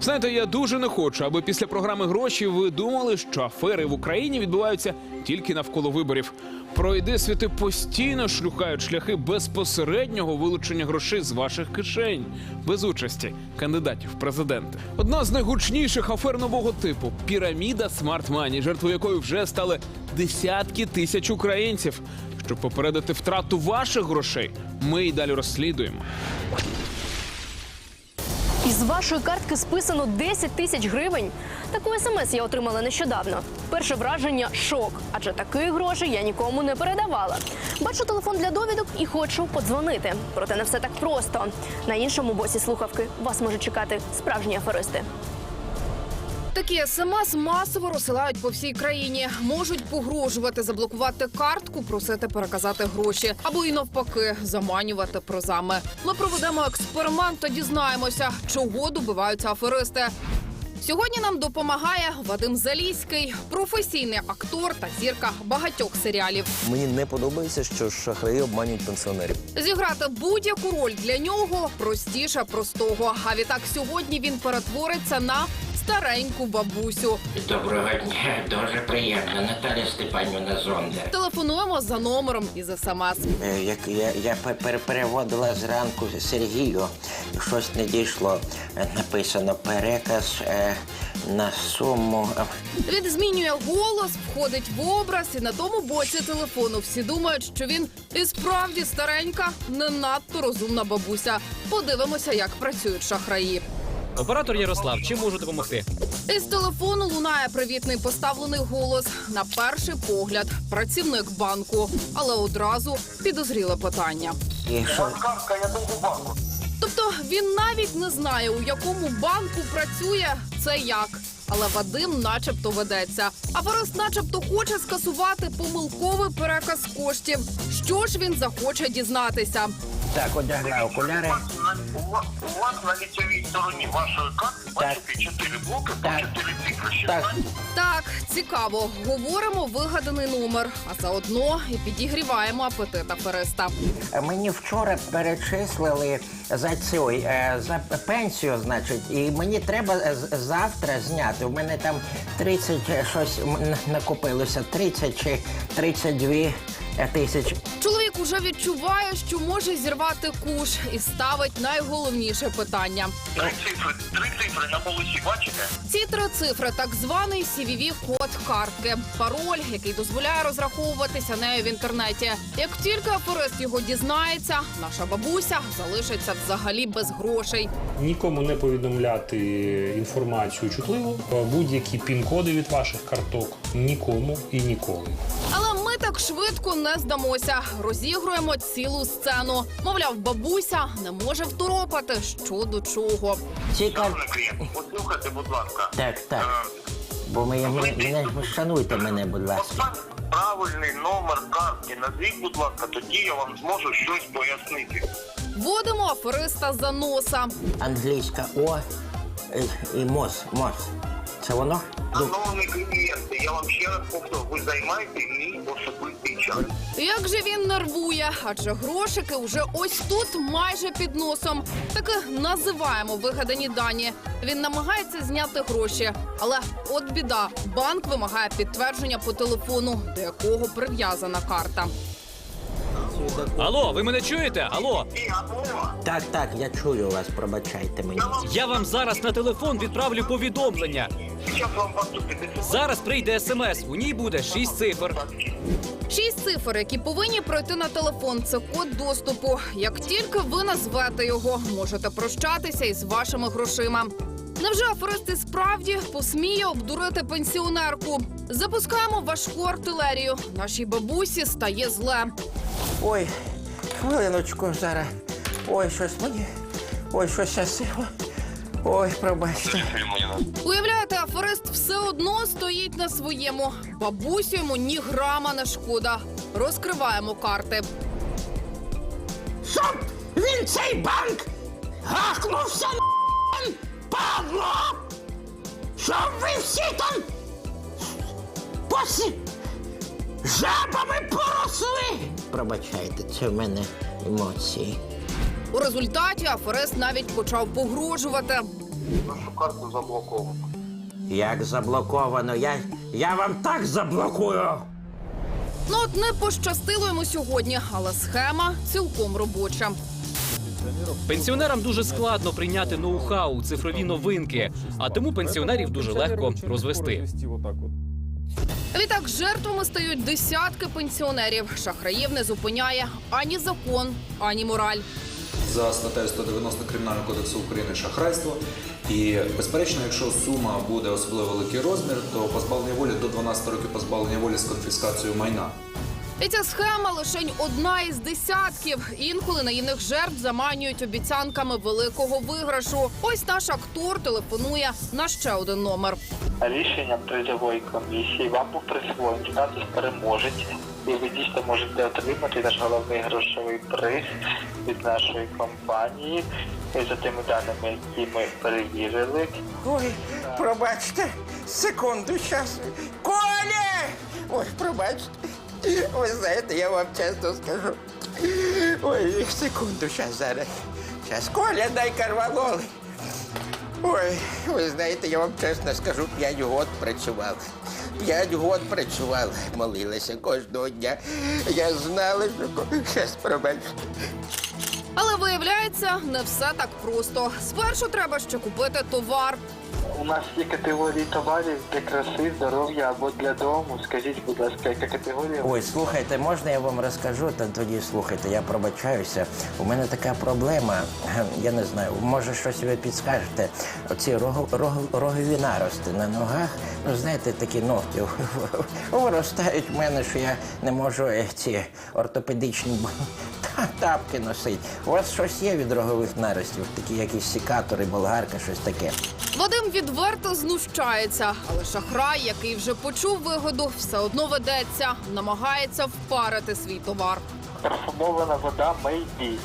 Знаєте, я дуже не хочу, аби після програми «Гроші» ви думали, що афери в Україні відбуваються тільки навколо виборів. Пройди світи постійно шлюхають шляхи безпосереднього вилучення грошей з ваших кишень, без участі кандидатів в президенти. Одна з найгучніших афер нового типу – піраміда Smart Money, жертвою якої вже стали десятки тисяч українців. Щоб попередити втрату ваших грошей, ми й далі розслідуємо. Із вашої картки списано 10 тисяч гривень. Таку смс я отримала нещодавно. Перше враження – шок, адже таких грошей я нікому не передавала. Бачу телефон для довідок і хочу подзвонити. Проте не все так просто. На іншому боці слухавки вас можуть чекати справжні аферисти. Такі смс масово розсилають по всій країні. Можуть погрожувати заблокувати картку, просити переказати гроші. Або і навпаки, заманювати призами. Ми проведемо експеримент та дізнаємося, чого добиваються аферисти. Сьогодні нам допомагає Вадим Заліський, професійний актор та зірка багатьох серіалів. Мені не подобається, що шахраї обманюють пенсіонерів. Зіграти будь-яку роль для нього простіше простого. А відтак сьогодні він перетвориться на стареньку бабусю. Доброго дня, дуже приємно. Наталя Степанівна Зондер. Телефонуємо за номером із СМС. Я переводила зранку Сергію, щось не дійшло. Написано переказ на суму. Він змінює голос, входить в образ, і на тому боці телефону всі думають, що він і справді старенька, не надто розумна бабуся. Подивимося, як працюють шахраї. Оператор Ярослав, чим можу допомогти? Із телефону лунає привітний поставлений голос. На перший погляд – працівник банку. Але одразу підозріле питання. І що? Тобто він навіть не знає, у якому банку працює це як. Але Вадим начебто ведеться. Аферист начебто хоче скасувати помилковий переказ коштів. Що ж він захоче дізнатися? Так, одягла окуляри. У вас на лицевій стороні вашої карти бачите 4 блоки по 4 цифри. Так. Так, цікаво. Говоримо вигаданий номер, а заодно і підігріваємо апетит афериста. Мені вчора перечислили за пенсію, значить, і мені треба завтра зняти. У мене там 30 щось накопилося, 30 чи 32 тисяч. Чоловік уже відчуває, що може зірвати куш і ставить найголовніше питання. Три цифри на полосі, бачите? Ці 3 цифри – так званий CVV-код картки. Пароль, який дозволяє розраховуватися нею в інтернеті. Як тільки аферист його дізнається, наша бабуся залишиться взагалі без грошей. Нікому не повідомляти інформацію чутливу, будь-які пін-коди від ваших карток нікому і ніколи. Але ми так швидко не здамося. Розігруємо цілу сцену. Мовляв, бабуся не може второпати, що до чого. Цікаво. Послухайте, будь ласка. Так. Бо шануйте мене, будь ласка. Правильний номер картки назвіть, будь ласка, тоді я вам зможу щось пояснити. Вводимо афериста за носа. Англійська О і МОЗ. Це воно? Шановні клієнти, я вам ще раз повторю, ви займаєте мій особистий час. Як же він нервує, адже грошики вже ось тут, майже під носом. Таки називаємо вигадані дані. Він намагається зняти гроші. Але от біда, банк вимагає підтвердження по телефону, до якого прив'язана карта. Алло, ви мене чуєте? Алло, Так, я чую вас, пробачайте мені. я вам зараз на телефон відправлю повідомлення. Зараз вам поступити. Зараз прийде смс, у ній буде 6 цифр. 6 цифр, які повинні пройти на телефон. Це код доступу. Як тільки ви назвете його, можете прощатися із вашими грошима. Невже аферист і справді посміє обдурити пенсіонерку? Запускаємо важку артилерію. Нашій бабусі стає зле. Ой, хвилиночку зараз. Ой, щось я сила. Ой, пробачте. Уявляєте, аферист все одно стоїть на своєму. Бабусю йому ні грама не шкода. Розкриваємо карти. Щоб він цей банк гахнувся на падло! Щоб ви всі там жабами поросли! Пробачайте, це в мене емоції. У результаті аферист навіть почав погрожувати. Вашу карту заблоковано. Як заблоковано? Я вам так заблокую! Ну от не пощастило йому сьогодні, але схема цілком робоча. Пенсіонерам дуже складно прийняти ноу-хау, цифрові новинки, а тому пенсіонерів дуже легко розвести. Відтак жертвами стають десятки пенсіонерів. Шахраїв не зупиняє ані закон, ані мораль. За статтею 190 Кримінального кодексу України шахрайство. І, безперечно, якщо сума буде особливо великий розмір, то позбавлення волі до 12 років позбавлення волі з конфіскацією майна. І ця схема лишень одна із десятків. Інколи наївних жертв заманюють обіцянками великого виграшу. Ось наш актор телефонує на ще один номер. Рішенням призової комісії вам був присвоєний статус переможець, і ви дійсно можете отримати наш головний грошовий приз від нашої компанії. І за тими даними, які ми перевірили. Ой, пробачте, секунду, щас. Коля! Ой, пробачте. Ви знаєте, я вам чесно скажу. Ой, секунду, щас зараз. Щас, Коля, дай карвалоли. Ой, ви знаєте, я вам чесно скажу, 5 год працював. 5 год працював, молилася кожного дня. Я знала, що... Щас, пробачте. Але виявляється, не все так просто. Спершу треба ще купити товар. У нас є категорії товарів для краси, здоров'я або для дому. Скажіть, будь ласка, яка категорія? Ой, слухайте, можна я вам розкажу? Та тоді слухайте, я пробачаюся. У мене така проблема, я не знаю, може щось ви підскажете. Оці рогові нарости на ногах, ну знаєте, такі ногті виростають в мене, що я не можу ці ортопедичні тапки носити. У вас щось є від рогових наростів? Такі якісь секатори, болгарка, щось таке? Вадим відверто знущається, але шахрай, який вже почув вигоду, все одно ведеться, намагається впарити свій товар. Парфумована вода Maybe.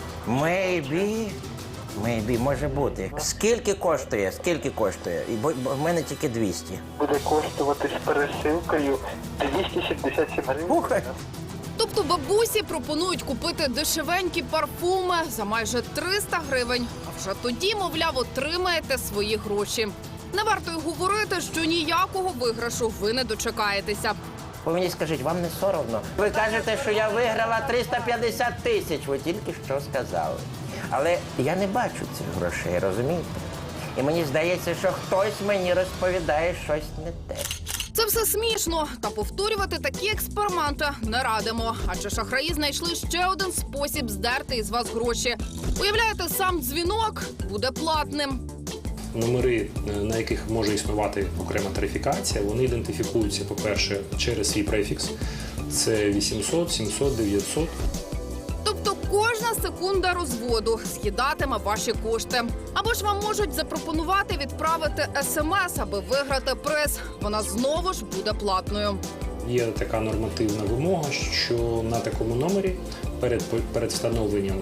Мейбі, може бути. Скільки коштує? Скільки коштує? Бо в мене тільки 200. Буде коштувати з пересилкою 277 гривень. Ух! Тобто бабусі пропонують купити дешевенькі парфуми за майже 300 гривень, а вже тоді, мовляв, отримаєте свої гроші. Не варто й говорити, що ніякого виграшу ви не дочекаєтеся. Ви мені скажіть, вам не соромно? Ви кажете, що я виграла 350 тисяч, ви тільки що сказали. Але я не бачу цих грошей, розумієте? І мені здається, що хтось мені розповідає щось не те. Це все смішно, та повторювати такі експерименти не радимо. Адже шахраї знайшли ще один спосіб здерти із вас гроші. Уявляєте, сам дзвінок буде платним. Номери, на яких може існувати окрема тарифікація, вони ідентифікуються, по-перше, через свій префікс. Це 800, 700, 900. Тобто кожна секунда розводу з'їдатиме ваші кошти. Або ж вам можуть запропонувати відправити смс, аби виграти приз. Вона знову ж буде платною. Є така нормативна вимога, що на такому номері перед встановленням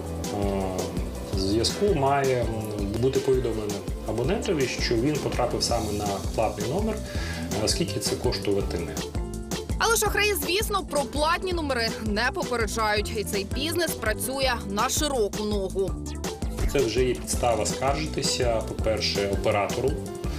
зв'язку має бути повідомлено абонентові, що він потрапив саме на платний номер, скільки це коштуватиме. Але шахраї, звісно, про платні номери не попереджають. І цей бізнес працює на широку ногу. Це вже є підстава скаржитися, по-перше, оператору,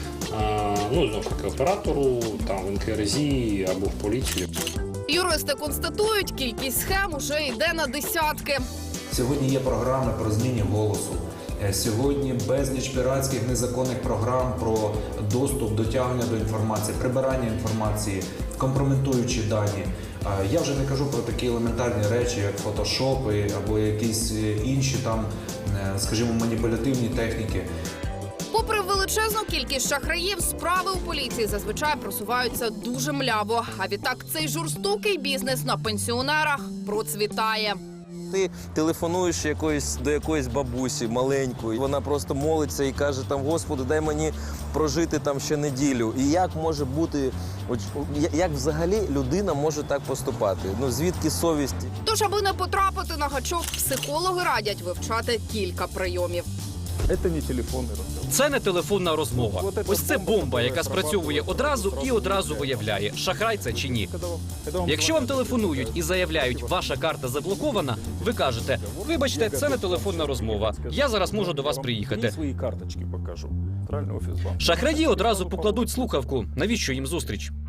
знову ж таки, оператору, там, в НКРЗ або в поліцію. Юристи констатують, кількість схем уже йде на десятки. Сьогодні є програми про зміни голосу. Сьогодні безліч піратських незаконних програм про доступ, дотягнення до інформації, прибирання інформації, компрометуючі дані. Я вже не кажу про такі елементарні речі, як фотошопи або якісь інші там, скажімо, маніпулятивні техніки. Попри величезну кількість шахраїв, справи у поліції зазвичай просуваються дуже мляво. А відтак цей жорстокий бізнес на пенсіонерах процвітає. Ти телефонуєш до якоїсь бабусі маленької, вона просто молиться і каже, там, Господи, дай мені прожити там ще неділю. І як може бути, як взагалі людина може так поступати? Ну, звідки совість? Тож, аби не потрапити на гачок, психологи радять вивчати кілька прийомів. Это не телефонный разговор. Це не телефонна розмова. Ось це бомба, яка спрацьовує одразу і одразу виявляє, шахрай це чи ні. Якщо вам телефонують і заявляють, ваша карта заблокована, ви кажете, вибачте, це не телефонна розмова. Я зараз можу до вас приїхати. Свої карточки покажу. Центральний офіс банку. Шахраї одразу покладуть слухавку. Навіщо їм зустріч?